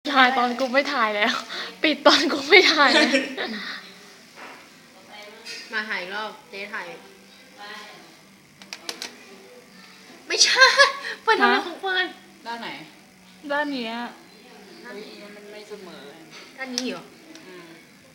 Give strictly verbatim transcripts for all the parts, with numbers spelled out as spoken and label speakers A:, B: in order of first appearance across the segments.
A: ถ่ายตอนกูไม่ถ่ายแล้ว ปิดตอนกูไม่ถ่ายแล้ว
B: มาถ่ายอีกรอบเจ๊ถ่ายไม่ใช่เปิดทำไมของเปิด
C: ด้านไหน
A: ด้านเนี้ย
C: มันไม่เสมอ
B: ด้านนี้เหรอ
C: อืม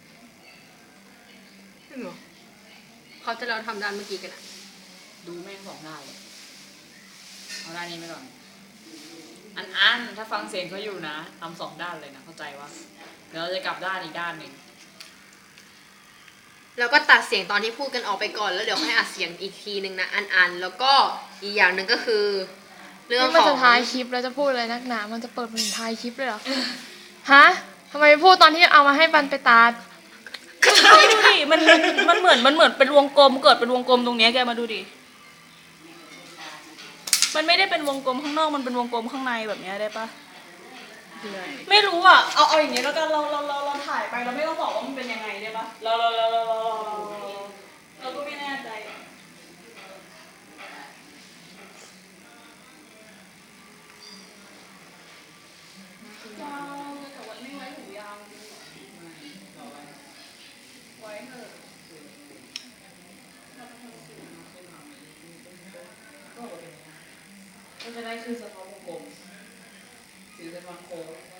B: จริงเหรอเขาจะเราทำด้านเมื่อกี้กันอะ
C: ดูแม่งสองด้านเลยเอาด้านนี้ไปก่อนอันอันถ้าฟังเสียงเขาอยู่นะทำสองด้านเลยนะเข้าใจว่าเดี๋ยวเราจะกลับด้านอีกด้านหนึ่ง
B: แล้วก็ตัดเสียงตอนที่พูดกันออกไปก่อนแล้วเดี๋ยวค่อยอัดเสียงอีกทีหนึ่งนะอันอันแล้วก็อีกอย่างหนึ่งก็คือ เรื่อง
A: นี่
B: ข
A: มัน
B: อง
A: จะท้ายคลิปแล้วจะพูดอะไรนักหนา มันจะเปิดเป็นท้ายคลิปเลยเหรอ ฮะทำไมไม่พูดตอนที่เอามาให้บันไปตาด
D: ดูดิมันมันเหมือนมันเหมือนเป็นวงกลมเกิดเป็นวงกลมตรงเนี้ยแกมาดูดิ มันไม่ได้เป็นวงกลมข้างนอกมันเป็นวงกลมข้างในแบบเนี้ยได้ปะไม่รู้อ่ะ เอาเอาอย่างเงี้ยแล้วกันเราเราเราเราถ่ายไปเราไม่ต้องบอกว่ามันเป็นยังไงได้ปะเราเราเราเราเราเราก็ไม่แน่ใจยาวแต่วันไม่ไว้หูยาวไว้เถอะ
C: ก็จะได้ขึ้นสะท้อนวงกลมสีเป็นวันโค้ง